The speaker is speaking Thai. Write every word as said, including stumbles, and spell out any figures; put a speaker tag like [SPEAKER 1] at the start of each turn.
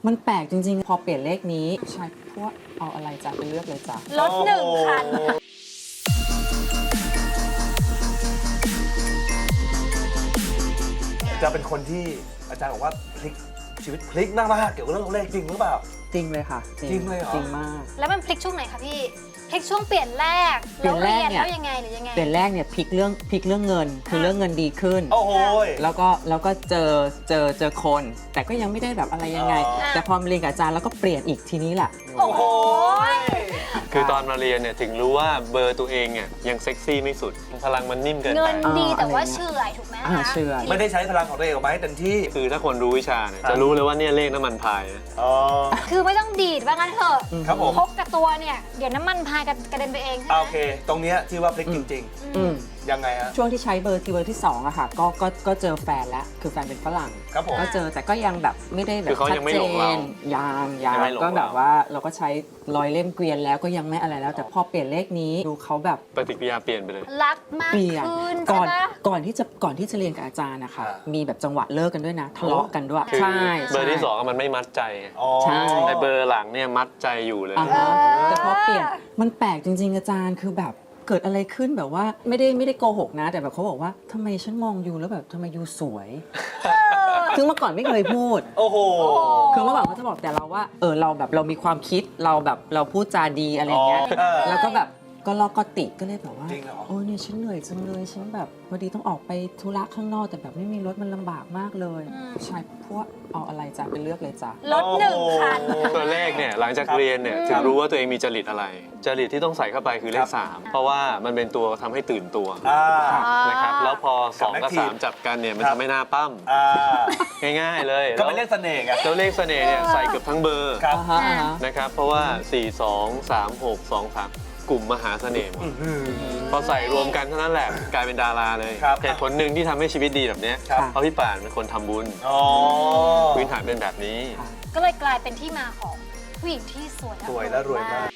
[SPEAKER 1] มันแปลกจริงๆพอเปลี่ยนเลขนี้ใช่พวกเอาอะไรจ้ะไปเลือกเลยจ้ะ
[SPEAKER 2] รถหนึ่งคัน
[SPEAKER 3] จะเป็นคนที่อาจารย์บอกว่าพลิกชีวิตพลิกมากๆเกี่ยวกับเรื่องเลขจริงหรือเปล่า
[SPEAKER 1] จริงเลยค่ะ
[SPEAKER 3] จริงเลยเหรอ
[SPEAKER 1] จริงมาก
[SPEAKER 2] แล้วมันพลิกช่วงไหนคะพี่พลิกช่วงเปลี่ยนแรก
[SPEAKER 1] เปลี่ยนแรกเนี่ย
[SPEAKER 2] แล้วยังไงหรือยังไง
[SPEAKER 1] เปลี่ยนแรกเนี่ยพลิกเรื่องพลิกเรื่องเงินคือเรื่องเงินดีขึ้น
[SPEAKER 3] โอ้โห
[SPEAKER 1] แล้วก็แล้วก็เจอเจอเจอคน แต่ก็ยังไม่ได้แบบอะไรยังไง แต่พอมาเรียนกับอาจารย์แล้วก็เปลี่ยนอีกทีนี้แหละ
[SPEAKER 2] โอ้โห
[SPEAKER 4] คือตอนมาเรียนเนี่ยถึงรู้ว่าเบอร์ตัวเองเนี่ยยังเซ็กซี่ไม่สุดพลังมันนิ่มเกินไป
[SPEAKER 2] เงินดีแต่ว่าเฉื่อยถูกไหม
[SPEAKER 1] อ่า
[SPEAKER 2] คะ
[SPEAKER 1] เชื่อ
[SPEAKER 3] ไม่ได้ใช้พลังของตัวเองออกมาให้เต็มที่
[SPEAKER 4] คือถ้าคนรู้วิชาเนี่ยจะรู้เลยว่าเนี่ยเลขน้ำมันพายนะ
[SPEAKER 3] อ๋อ
[SPEAKER 2] คือไม่ต้องดีดว่างั้นเถอะ
[SPEAKER 3] ครับผม
[SPEAKER 2] พกกับตัวเนี่ยเดี๋ยวน้ำมันพายกระเด็นไปเองใช่ไหม
[SPEAKER 3] โอเค ตรงเนี้ยที่ว่าพลิกจริง
[SPEAKER 1] อืม
[SPEAKER 3] ๆ ยังไงฮะ
[SPEAKER 1] ช่วงที่ใช้เบอร์ที่เบอร์ที่สองอะค่ะก็ก็ก็เจอแฟนแล้วคือแฟนเป็นฝรั่ง
[SPEAKER 3] ครับผม
[SPEAKER 1] ก็เจอแต่ก็ยังแบบไม่ได้แบบ
[SPEAKER 4] คือเขา
[SPEAKER 1] ชัด
[SPEAKER 4] ยังไม่
[SPEAKER 1] เจ
[SPEAKER 4] หลงเรา
[SPEAKER 1] นยังยั
[SPEAKER 4] ยัง งไม่หลง
[SPEAKER 1] ก็แบบ
[SPEAKER 4] เรา
[SPEAKER 1] ว่าเราก็ใช้รอยเล่มเกวียนแล้วก็ยังไม่อะไรแล้ว แต่พอเปลี่ยนเลขนี้ดูเขาแบบ
[SPEAKER 4] ปฏิกิริยาเปลี่ยนไปเลย
[SPEAKER 2] รักมาก
[SPEAKER 1] เปลี่ยน
[SPEAKER 2] ขึ้น
[SPEAKER 1] ก่
[SPEAKER 2] ใช่
[SPEAKER 1] อน
[SPEAKER 2] ปะ
[SPEAKER 1] ก่อนที่จะก่อนที่จะเรียนกับอาจารย์นะคะ
[SPEAKER 3] อ่ามี
[SPEAKER 1] มีแบบจังหวะเลิกกันด้วยนะทะเลาะกันด้วย
[SPEAKER 4] คือ
[SPEAKER 1] ใช่
[SPEAKER 4] เบอร์ที่
[SPEAKER 1] ใช่
[SPEAKER 4] สองมันไม่มัดใจ
[SPEAKER 3] อ๋อ
[SPEAKER 1] ใช่
[SPEAKER 4] แต่เบอร์หลังเนี่ยมัดใจอยู่เลย
[SPEAKER 1] อ่าฮะแต่พอเปลี่ยนมันแปลกจริง ๆ อาจารย์คือแบบเกิดอะไรขึ้นแบบว่าไม่ได้ไม่ได้โกหกนะ แต่แบบเขาบอกว่าทำไมฉันมองยูแล้วแบบทำไมยูสวยซึ่งเมื่อก่อนไม่เคยพูด
[SPEAKER 3] โอ้โห
[SPEAKER 1] คือเมื่อก่อนเขาจะบอกแต่เราว่าเออเราแบบเรามีความคิดเราแบบเราพูดจาดีอะไรอย่างเงี้ย
[SPEAKER 3] อ๋อเออ
[SPEAKER 1] แล้วก็แบบก็ลอกก็ติก็เลยแบบว่า
[SPEAKER 3] จริงเหรอ
[SPEAKER 1] โอ้เนี่ยฉันเหนื่อยจังเลยฉันแบบพอดีต้องออกไปธุระข้างนอกแต่แบบไม่มีรถมันลำบากมากเลยใช่พวกเอาอะไรจ้ะไปเลือกเลยจ้ะ
[SPEAKER 2] รถหนึ่งคัน
[SPEAKER 4] ตัวเลขเนี่ยหลังจากเรียนเนี่ยถึงรู้ว่าตัวเองมีจริตอะไร จริตที่ต้องใส่เข้าไปคือเลขสามเพราะว่ามันเป็นตัวทำให้ตื่นตัว
[SPEAKER 3] อ่า
[SPEAKER 4] นะครับแล้วพอสองกับ
[SPEAKER 3] กับ
[SPEAKER 4] สามจับกันเนี่ยมัน
[SPEAKER 3] ครับ
[SPEAKER 4] ทำให้หน้าปั้ม
[SPEAKER 3] อ่า
[SPEAKER 4] ง่ายๆเลย
[SPEAKER 3] ก็เป็นเลขเสน่ห์ไง
[SPEAKER 4] แล้วเลขเสน่ห์เนี่ยใส่เกือบทั้งเบอร์
[SPEAKER 3] ครับ
[SPEAKER 1] อ่าฮะอ่าฮะ
[SPEAKER 4] นะครับเพราะว่า สี่ สอง สาม หก สอง สาม กลุ่มมหาเสน่ห์หมด
[SPEAKER 3] อืม
[SPEAKER 4] พอใส่รวมกันเท่านั้นแหละกลายเป็นดาราเลย
[SPEAKER 3] ครับ
[SPEAKER 4] เหตุผลหนึ่งที่ทำให้ชีวิตดีแบบเนี้ย
[SPEAKER 3] ครับ
[SPEAKER 4] เพราะพี่ป่านเป็นคนทำบุญ
[SPEAKER 3] อ๋อ
[SPEAKER 4] พื้นฐานเป็นแบบนี้
[SPEAKER 2] ก็เลยกลายเป็นที่มาของผู้หญิงที่สวย
[SPEAKER 3] สวยและรวยมาก